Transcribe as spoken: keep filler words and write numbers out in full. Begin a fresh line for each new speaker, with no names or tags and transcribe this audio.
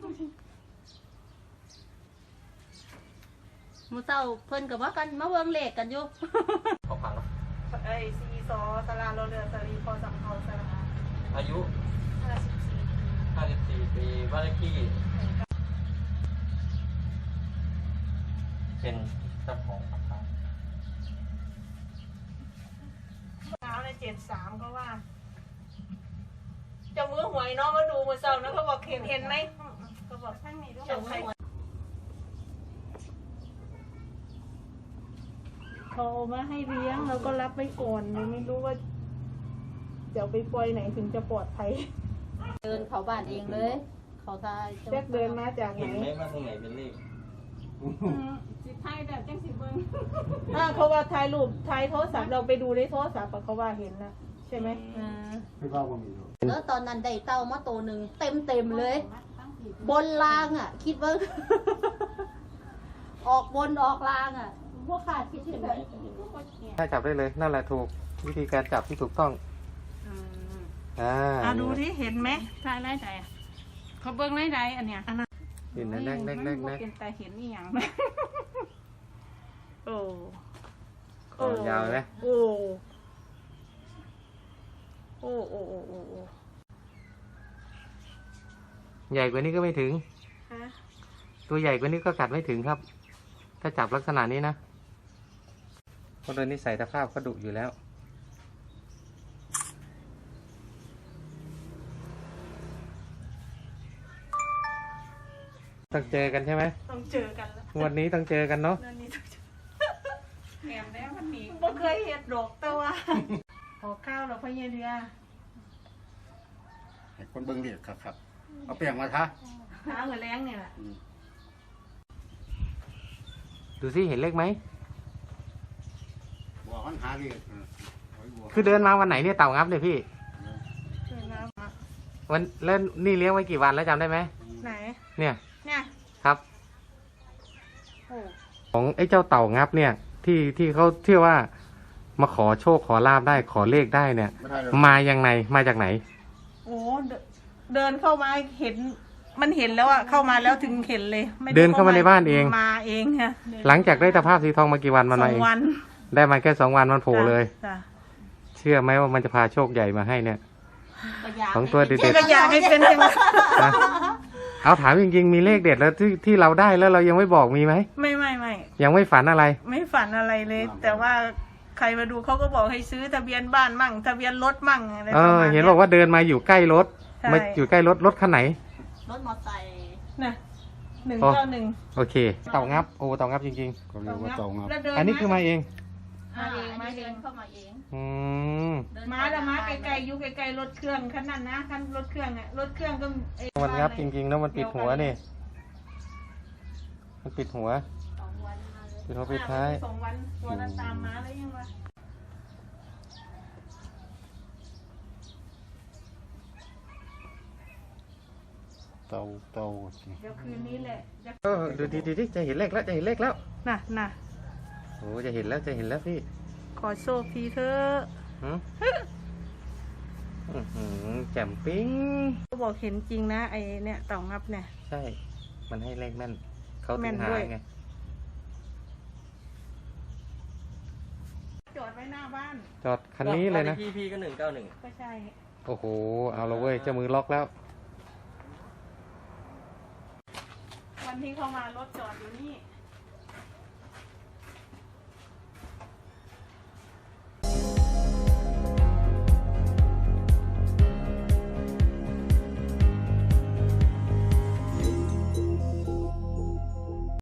มือเศร้าเพิ่นกับว่ากันมาเวิงเลขกันอยู่
ขอพังแล้ว
ไอซีซอสลาโรเรือสลีพอสัมเภาสลา
อายุ
ห้าสิบสี่
ห้าสิบสี่ปีบ้านเลขที่เป็นเจ้าของอาคาร
เช้าในเจ็ดสามก็ว่าจะมือหวยเนาะมาดูมือเศร้านะเขาบอกเห็นเห็นไหมเขาบอกทั้งนี้ด้วยเขาเอามาให้เลี้ยงเราก็รับไว้ก่อนยังไม่รู้ว่าเดี๋ยวไปปล่อยไหนถึงจะปลอดภัย
เดินเขาบ้านเองเลยเขาทาย
แจ็คเดินมาจากไหน
เห็นไหมว่าตรงไหนเป็นเลข
สิไทยแบบจังสิเบิ้งอ่าเขาว่าถ่ายรูปถ่ายโทรศัพท์เราไปดูในโทรศัพท์เขาว่าเห็นนะใช่ไหม
อ่า
ไม่ว่าว่ามี
แล้วตอนนั้นได้เต้ามาตัวหนึ่งเต็มเต็มเลยบนรางอ่ะคิดว่าออกบนออกรางอ่ะพวกขาดคิดถึง
ถ้าจับได้เลยนั่นแหละถูกวิธีการจับที่ถูกต้องอ่า
อ่าดูที่เห็นไหม
ใช่ไล่ใจเขาเบิ้งไล่ใจอันเนี้ยอันนั้น
เห็นนะแรกแรกแรกแรก
เป็นแต่เห็นนี่อย่าง
โอ้
โอ้ยาวไหม
โอ้โอ้โอ้โอ้โอ้โอ้
ใหญ่กว่านี้ก็ไม่ถึงตัวใหญ่กว่านี้ก็กัดไม่ถึงครับถ้าจับลักษณะนี้นะเพราะโดยนิสัยตะภาพก็ดุอยู่แล้วต้องเจอกันใช่ไหม
ต้องเจอกันแล้ว
วันนี้ต้องเจอกันเนาะ
แหมแล้วมันหนี
ไม่เคยเห็นดอกแต่ว่าขอข้าวเราพยายเรือ
ให้คนเบิ้งเรียกครับครับเอาเปลี่ยนมาทะ
หาหัวแรงเนี่ยแหละ
ดูสิเห็นเลขไหม
บัวขันหาเรียก
คือเดินมาวันไหนเนี่ยเต่างับเนี่ยพี่วันเล่นนี่เลี้ยงไว้กี่วันแล้วจำได้ไหม
ไหน
เนี่ย
เนี่ย
ครับของไอ้เจ้าเต่างับเนี่ยที่ที่เขาเชื่อว่ามาขอโชคขอลาบได้ขอเลขได้เนี่ยมาอย่างไงมาจากไหน
โอ้เดินเข้ามาเห็นมันเห็นแล้วอะเข้ามาแล้วถึงเห็นเลย
เดินเข้ามาในบ้านเอง
มาเองค่ะ
หลังจากได้ตะภาพสีทองมากี่วันมันมาเองได้มาแค่สองวันมันโผล่เลยเชื่อไหมว่ามันจะพาโชคใหญ่มาให้เนี่ยของตัวเด็ดๆ
ก็อยากให้เป็นจัง
เอาถามจริงๆมีเลขเด็ดแล้วที่ที่เราได้แล้วเรายังไม่บอกมีไหม
ไม่ไม่ไม่
ยังไม่ฝันอะไร
ไม่ฝันอะไรเลย แต่ว่าใครมาดูเขาก็บอกให้ซื้อทะเบียนบ้านมั่งทะเบียนรถมั่งอะไร
ประมาณนี้เห็นบอกว่าเดินมาอยู่ใกล้รถมาอยู่ใกล้รถรถคันไหน
รถมอเตอร์ไซค์
น่ะหนึ่งเก้าหนึ่ง
โอเคเต่างับโอ้เต่างับจริง
ๆก็เรียกว่าเต่างับ
อันนี้คือมาเอง
มาเองมาเองเข้ามาเอง
อืม
มาแล้วมาไกลๆยุไกลๆรถเครื่องคันนั้นนะคันรถเครื่องอ่ะรถเครื่องก็
มันงับจริงๆแล้วมันปิดหัวนี่มันปิดหัวปิดหัวปิดท้าย
สองวันตัวนั้นตามมาแล้วยังวะ
เต่าเต่า
เดี๋ยวคืนนี้แหละ
เออดูดีดีจะเห็นเลขแล้วจะเห็นเลขแล้ว
น่ะน่ะ
โอ้จะเห็นแล้วจะเห็นแล้วพี่
ขอโชคทีเถอะ
แจ่มปิ้ง
เขาบอกเห็นจริงนะไอเนี่ยเต่างับเนี่ย
ใช่มันให้เลขแม่นเขาถึงหาไง
จอดไว้หน้าบ้าน
จอดคันนี้เลยนะ
พีพีก็หนึ่งเก้าหนึ่ง
ก็ใช่
โอ้โหเอาละเว้ยเจ้ามือล็อกแล้ว
วันที่เขามารถจอดอยู่นี่